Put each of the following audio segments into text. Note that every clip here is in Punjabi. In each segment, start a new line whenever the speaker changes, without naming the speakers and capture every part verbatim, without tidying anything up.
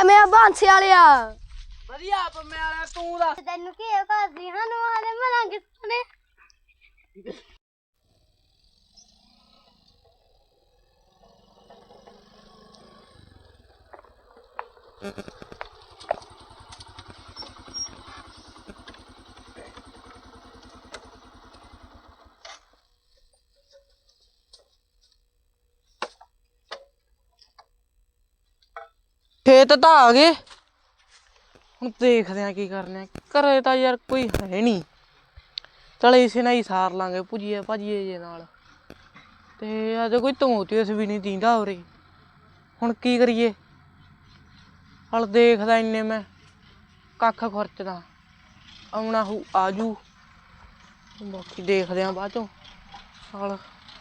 ਕਿਵੇਂ ਆ ਬਾਂਸੇ ਵਾਲਿਆ?
ਵਧੀਆ ਪੰਮੇ ਵਾਲਿਆ, ਤੂੰ ਦੱਸ।
ਤੈਨੂੰ ਕੀ ਹੈ ਭਾਜੀ ਸਾਨੂੰ ਹਾਲੇ ਮਲਾਂਗੇ ਸੁਣੇ।
ਖੇਤ ਤਾਂ ਆ ਗਏ, ਹੁਣ ਦੇਖਦੇ ਆ ਕੀ ਕਰਨੇ। ਘਰੇ ਤਾਂ ਯਾਰ ਕੋਈ ਹੈ ਨਹੀਂ, ਚਲ ਇਸੇ ਨਾਲ ਹੀ ਸਾਰ ਲਾਂਗੇ ਭੁਜੀਏ ਭਾਜੀਏ ਜੇ ਨਾਲ। ਤੇ ਅੱਜ ਕੋਈ ਤਮੋਤੀਸ ਵੀ ਨਹੀਂ ਦੀਂਦਾ ਉਰੇ, ਹੁਣ ਕੀ ਕਰੀਏ। ਹਲ ਦੇਖਦਾ ਇੰਨੇ ਮੈਂ ਕੱਖ ਖੁਰਚਦਾ, ਆਉਣਾ ਹੂ ਆਜੂ, ਬਾਕੀ ਦੇਖਦੇ ਆ ਬਾਅਦ ਚੋਂ। ਹਲ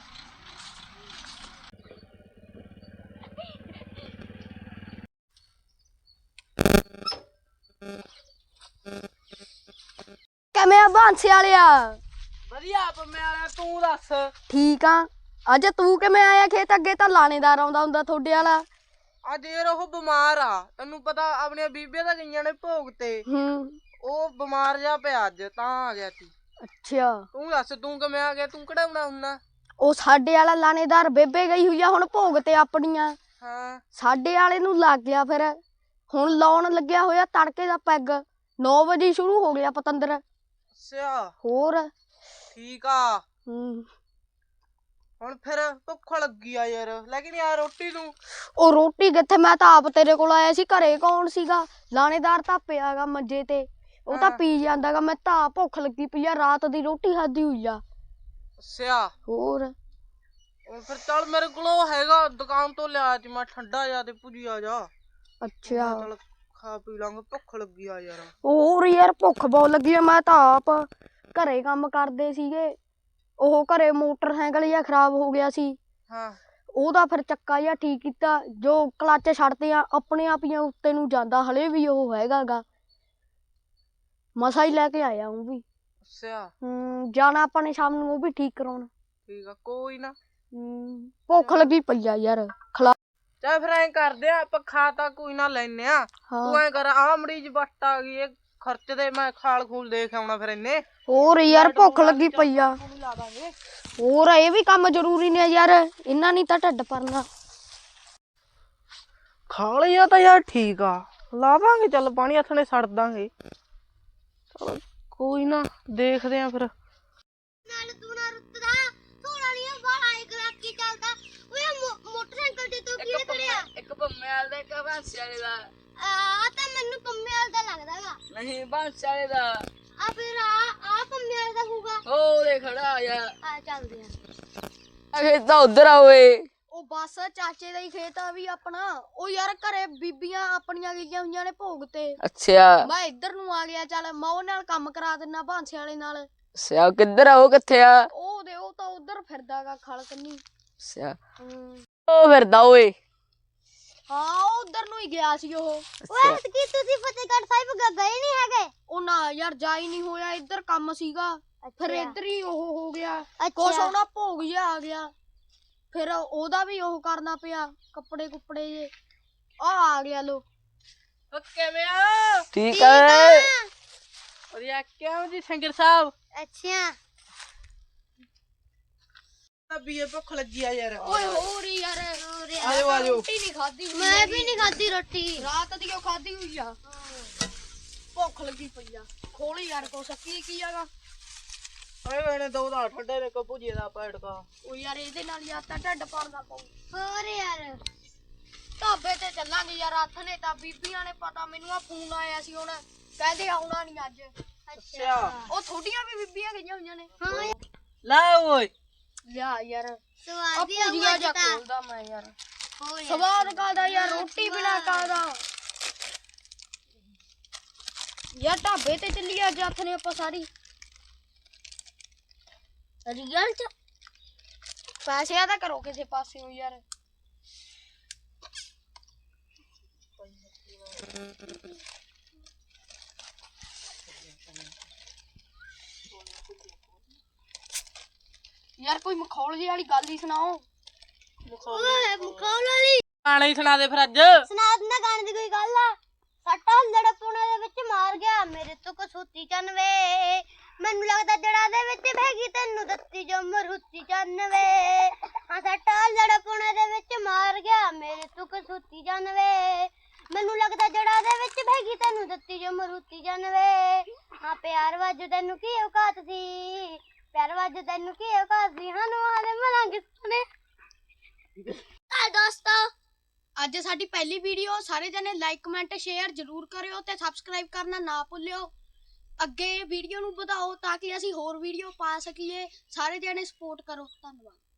ਕਿਵੇਂ ਆ ਬਾਂਸੇ ਵਾਲਿਆ?
ਵਧੀਆ ਪੰਮੇ ਵਾਲਿਆ, ਤੂੰ ਦੱਸ।
ਠੀਕ ਆ। ਅੱਜ ਤੂੰ ਕਿਵੇਂ ਆਇਆ ਖੇਤ? ਅੱਗੇ ਤਾਂ ਲਾਣੇਦਾਰ ਆਉਂਦਾ ਹੁੰਦਾ ਤੁਹਾਡੇ ਵਾਲਾ।
ਅੱਜ ਯਾਰ ਉਹ ਬਿਮਾਰ ਆ, ਤੈਨੂੰ ਪਤਾ ਆਪਣੀਆਂ ਬੀਬੀਆਂ ਤਾਂ ਗਈਆਂ ਨੇ ਭੋਗ ਤੇ,
ਹੂੰ।
ਉਹ ਬਿਮਾਰ ਜਾ ਪਿਆ ਅੱਜ, ਤਾਂ ਆ ਗਿਆ ਸੀ।
ਅੱਛਾ,
ਤੂੰ ਦੱਸ ਤੂੰ ਕਿਵੇਂ ਆ ਗਿਆ? ਤੂੰ ਕਢਾਉਣਾ ਹੁੰਨਾ?
ਉਹ ਸਾਡੇ ਵਾਲਾ ਲਾਣੇਦਾਰ ਬੇਬੇ ਗਈ ਹੋਈ ਆ ਹੁਣ ਭੋਗ ਤੇ ਆਪਣੀਆਂ।
ਹਾਂ,
ਸਾਡੇ ਵਾਲੇ ਨੂੰ ਲੱਗ ਗਿਆ, ਫਿਰ ਹੁਣ ਲਾਉਣ ਲੱਗਿਆ ਹੋਇਆ ਤੜਕੇ ਦਾ ਪੈਗ। ਨੌ ਵਜੇ ਸ਼ੁਰੂ ਹੋ ਗਿਆ ਪਤੰਦਰ।
ਅੱਛਾ
ਹੋਰ
ਠੀਕ ਆ।
ਹੂੰ।
ਹੁਣ ਫਿਰ ਭੁੱਖ ਲੱਗੀ ਆ ਯਾਰ, ਲੈ ਕੇ ਨੀ ਆ ਰੋਟੀ ਤੂੰ?
ਉਹ ਰੋਟੀ ਕਿੱਥੇ, ਮੈਂ ਤਾਂ ਆਪ ਤੇਰੇ ਕੋਲ ਆਇਆ ਸੀ। ਘਰੇ ਕੌਣ ਸੀਗਾ? ਲਾਣੇਦਾਰ ਤਾਂ ਪਿਆਗਾ ਮੰਜੇ ਤੇ, ਉਹ ਤਾਂ ਪੀ ਜਾਂਦਾਗਾ। ਮੈਂ ਤਾਂ ਭੁੱਖ ਲੱਗੀ ਪਈ ਆ, ਰਾਤ ਦੀ ਰੋਟੀ ਖਾਧੀ ਹੋਈ ਆ।
ਅੱਛਾ
ਹੋਰ
ਹੁਣ ਫਿਰ ਚੱਲ, ਮੇਰੇ ਕੋਲ ਉਹ ਹੈਗਾ, ਦੁਕਾਨ ਤੋਂ ਲਿਆ ਸੀ ਮੈਂ ਠੰਡਾ ਜਾ ਤੇ ਭੁਜੀਆ ਜਾ।
ਅੱਛਾ,
ਚੱਲ ਖਾ ਪੀ ਲਾਂਗੇ, ਭੁੱਖ ਲੱਗੀ ਆ ਯਾਰ।
ਹੋਰ ਯਾਰ ਭੁੱਖ ਬਹੁਤ ਲੱਗੀ ਆ। ਮੈਂ ਤਾਂ ਆਪ ਘਰੇ ਕੰਮ ਕਰਦੇ ਸੀਗੇ, ਉਹ ਘਰੇ ਮੋਟਰਸਾਈਕਲ ਜਿਹਾ ਖਰਾਬ ਹੋ ਗਿਆ ਸੀ।
ਹਾਂ,
ਉਹਦਾ ਫਿਰ ਚੱਕਾ ਜਿਹਾ ਠੀਕ ਕੀਤਾ, ਜੋ ਕਲੱਚ ਛੱਡਦੇ ਆ ਆਪਣੇ ਆਪ ਹੀ ਉੱਤੇ ਨੂੰ ਜਾਂਦਾ। ਹਲੇ ਵੀ ਉਹ ਹੈਗਾ ਗਾ, ਮਸਾ ਹੀ ਲੈ ਕੇ ਆਇਆ ਉਹ ਵੀ।
ਅੱਛਾ
ਹੂੰ, ਜਾਣਾ ਆਪਾਂ ਨੇ ਸ਼ਾਮ ਨੂੰ ਉਹ ਵੀ ਠੀਕ ਕਰਾਉਣ।
ਠੀਕ ਆ, ਕੋਈ ਨਾ।
ਹੂੰ, ਭੁੱਖ ਲੱਗੀ ਪਈ ਆ ਯਾਰ। ਖਲਾ
ਚੱਲ ਫਿਰ ਐਂ ਕਰਦੇ ਆ, ਆਪਾਂ ਖਾ ਤਾਂ ਕੋਈ ਨਾ ਲੈਨੇ ਆ। ਤੂੰ ਐਂ ਕਰ, ਆਹ ਮਰੀਜ਼ ਬੱਟ ਆ ਗਈ, ਇਹ ਖਰਚ ਦੇ ਮੈਂ ਖਾਲ ਖੂਲ ਦੇਖ ਆਉਣਾ ਫਿਰ ਇੰਨੇ।
ਹੋਰ ਯਾਰ ਭੁੱਖ ਲੱਗੀ ਪਈ ਆ। ਹੋਰ ਇਹ ਵੀ ਕੰਮ ਜ਼ਰੂਰੀ ਨੇ ਯਾਰ, ਇਹਨਾਂ ਨਹੀਂ ਤਾਂ ਢਿੱਡ ਭਰਨਾ।
ਖਾ ਲਿਆ ਤਾਂ ਯਾਰ ਠੀਕ ਆ, ਲਾ ਦਾਂਗੇ ਚੱਲ ਪਾਣੀ ਹੱਥ ਨੇ ਛੱਡ ਦਾਂਗੇ। ਚਲ ਕੋਈ ਨਾ, ਦੇਖਦੇ ਆ ਫਿਰ।
ਨਾਲ ਤੂੰ ਨਾ ਰੁੱਤਦਾ ਥੋੜਾ ਨਹੀਂ ਬਾਹਰ ਇੱਕ ਲੱਖ ਕੀ ਚੱਲਦਾ। ਓਏ ਮੋਟਰਸਾਈਕਲ ਤੇ ਤੂੰ ਕੀ ਕਰਿਆ?
ਇੱਕ ਪੰਮੇ ਵਾਲੇ ਦਾ, ਇੱਕ ਬਾਂਸੇ ਵਾਲੇ ਦਾ।
ਆ ਤਾਂ ਮੈਨੂੰ ਪੰਮੇ ਵਾਲਾ ਦਾ ਲੱਗਦਾਗਾ।
ਨਹੀਂ ਬਾਂਸੇ ਵਾਲੇ ਦਾ।
ਆ ਫਿਰ ਆ ਆ ਪੰਮੇ ਵਾਲਾ ਦਾ ਹੋਊਗਾ।
ਹੋ ਦੇ ਖੜਾ ਆ ਯਾਰ,
ਆ ਚੱਲਦੇ ਆ।
ਖੇਤ ਤਾਂ ਉਧਰ ਆ ਓਏ।
ਉਹ ਬਸ ਚਾਚੇ ਦਾ ਹੀ ਖੇਤ ਆ ਵੀ ਆਪਣਾ। ਉਹ ਯਾਰ ਘਰੇ ਬੀਬੀਆਂ ਆਪਣੀਆਂ ਗਈਆਂ ਹੋਈਆਂ ਨੇ ਭੋਗ ਤੇ।
ਅੱਛਾ
ਮੈਂ ਇੱਧਰ ਨੂੰ ਆ ਗਿਆ, ਚੱਲ ਮੈਂ ਉਹ ਨਾਲ ਕੰਮ ਕਰਾ ਦਿੰਨਾ ਬਾਂਸੇ ਵਾਲੇ ਨਾਲ।
ਅੱਛਾ ਕਿੱਧਰ ਆ ਉਹ? ਕਿੱਥੇ ਆ
ਉਹ ਦੇ ਉਹ ਤਾਂ ਉਧਰ ਫਿਰਦਾਗਾ ਖਲ ਕੰਨੀ।
ਅੱਛਾ
ਹੂੰ,
ਉਹ ਫਿਰਦਾ ਓਏ।
ਹਾਂ ਉਧਰ ਨੂੰ ਹੀ ਗਿਆ ਸੀ ਉਹ।
ਓਏ ਕੀ ਤੁਸੀਂ ਫਤਿਹਗੜ੍ਹ ਸਾਹਿਬ ਗਏ ਨਹੀਂ ਹੈਗੇ?
ਉਹ ਨਾ ਯਾਰ ਜਾ ਹੀ ਨਹੀਂ ਹੋਇਆ, ਇੱਧਰ ਕੰਮ ਸੀਗਾ। ਫਿਰ
ਅੱਛਾ।
ਇੱਧਰ ਹੀ ਉਹ ਹੋ ਗਿਆ,
ਅੱਛਾ।
ਕੁਛ ਉਹਨਾਂ ਭੋਗ ਜਿਹਾ ਆ ਗਿਆ, ਫਿਰ ਉਹਦਾ ਵੀ ਉਹ ਕਰਨਾ ਪਿਆ, ਕੱਪੜੇ ਕੁੱਪੜੇ ਜੇ। ਆ ਆ ਗਿਆ ਲੋ।
ਕਿਵੇਂ ਆ? ਠੀਕ ਆ ਵਧੀਆ। ਕਿਉਂ ਜੀ ਸਿੰਗਰ ਸਾਹਿਬ?
ਅੱਛਾ
ਬੀਏ ਭੁੱਖ ਲੱਗੀ ਆ ਯਾਰ।
ਓਏ ਹੋਰ ਯਾਰ,
ਆਜੋ ਆਜੋ।
ਰੋਟੀ ਨਹੀਂ ਖਾਧੀ ਹੋਈ।
ਮੈਂ ਵੀ ਨਹੀਂ ਖਾਧੀ ਰੋਟੀ,
ਰਾਤ ਦੀ ਉਹ ਖਾਧੀ ਹੋਈ ਆ। ਭੁੱਖ ਲੱਗੀ ਪਈ ਆ, ਖੋਲੀ ਯਾਰ ਕੁਛ। ਕੀ ਕੀ ਆਗਾ?
ਓਏ ਮੈਨੇ ਦੋ ਦਾ ਠੰਡੇ ਦੇ ਕੋ ਭੁਜੀਏ ਦਾ ਪੈੜਕਾ।
ਉਹ ਯਾਰ ਇਹਦੇ ਨਾਲ ਯਾਰ ਤਾਂ ਢਿੱਡ ਭਰਦਾ ਪਊ।
ਹੋਰ ਯਾਰ
ਢਾਬੇ ਤੇ ਚੱਲਾਂਗੇ ਯਾਰ। ਹੱਥ ਨੇ ਤਾਂ ਬੀਬੀਆਂ ਨੇ ਪਤਾ, ਮੈਨੂੰ ਆ ਫੋਨ ਆਇਆ ਸੀ ਹੁਣ, ਕਹਿੰਦੇ ਆਉਣਾ ਨਹੀਂ ਅੱਜ।
ਅੱਛਾ
ਉਹ ਥੋੜੀਆਂ ਵੀ ਬੀਬੀਆਂ ਗਈਆਂ ਹੋਈਆਂ ਨੇ।
ਹਾਂ
ਲੈ ਓਏ।
ਲਿਆ ਯਾਰ,
ਸਵਾਦ ਹੀ
ਭੁਜੀਆ ਜਾ
ਆਉਂਦਾ।
ਖੋਲਦਾ ਮੈਂ ਯਾਰ।
ਹੋਰ ਯਾਰ
ਸਵਾਦ ਕਾਦਾ ਯਾਰ, ਰੋਟੀ ਬਿਨਾ ਕਾਦਾ ਯਾਰ। ਢਾਬੇ ਤੇ ਚੱਲੀ ਅੱਜ ਹੱਥ ਨੇ ਆਪਾਂ ਸਾਰੀ। ਰੀਅਲ ਚ ਪੈਸਿਆਂ ਦਾ ਕਰੋ ਕਿਸੇ ਪਾਸੇ ਹੋ ਯਾਰ। ਯਾਰ ਕੋਈ ਮਖੌਲ ਜਿਹੀ ਵਾਲੀ ਗੱਲ ਹੀ ਸੁਣਾਓ।
ਓਏ ਮਖੌਲ ਵਾਲੀ
ਗਾਣਾ ਹੀ ਸੁਣਾ ਦੇ ਫਿਰ ਅੱਜ।
ਸੁਣਾ ਦਿੰਦਾ ਗਾਣੇ ਦੀ ਕੋਈ ਗੱਲ ਆ। ਮਰੂਤੀ ਚੰਨ ਵੇ ਮੈਨੂੰ ਲੱਗਦਾ ਜੜਾ ਦੇ ਵਿੱਚ ਬਹਿਗੀ ਤੈਨੂੰ ਦੱਤੀ ਜੋ ਮਰੂਤੀ ਚੰਨ ਵੇ ਹਾਂ ਸੱਟਾ ਲੜਪੁਣੇ ਦੇ ਵਿੱਚ ਮਾਰ ਗਿਆ ਮੇਰੇ ਸੁੱਖ ਸੁੱਤੀ ਚੰਨ ਵੇ ਮੈਨੂੰ ਲੱਗਦਾ ਜੜਾ ਦੇ ਵਿੱਚ ਬਹਿਗੀ ਤੈਨੂੰ ਦੱਤੀ ਜੋ ਮਰੂਤੀ ਚੰਨ ਵੇ ਹਾਂ ਪਿਆਰ ਵਾਜੂ ਤੈਨੂੰ ਕੀ ਔਕਾਤ ਸੀ ਪਿਆਰ ਵਾਜੂ ਤੈਨੂੰ ਕੀ ਔਕਾਤ ਸੀ ਹਾਂ ਨੂੰ ਆਲੇ ਮਲਾਂਗੇ ਸੁਣੇ ਆ ਦੋਸਤੋ
ਅੱਜ ਸਾਡੀ ਪਹਿਲੀ ਵੀਡੀਓ ਸਾਰੇ ਜਣੇ ਲਾਈਕ ਕਮੈਂਟ ਸ਼ੇਅਰ ਜ਼ਰੂਰ ਕਰਿਓ ਤੇ ਸਬਸਕ੍ਰਾਈਬ ਕਰਨਾ ਨਾ ਭੁੱਲਿਓ ਅੱਗੇ ਵੀਡੀਓ ਨੂੰ ਵਧਾਓ ਤਾਂ ਕਿ ਅਸੀਂ ਹੋਰ ਵੀਡੀਓ ਪਾ ਸਕੀਏ ਸਾਰੇ ਜਣੇ ਸਪੋਰਟ ਕਰੋ ਧੰਨਵਾਦ।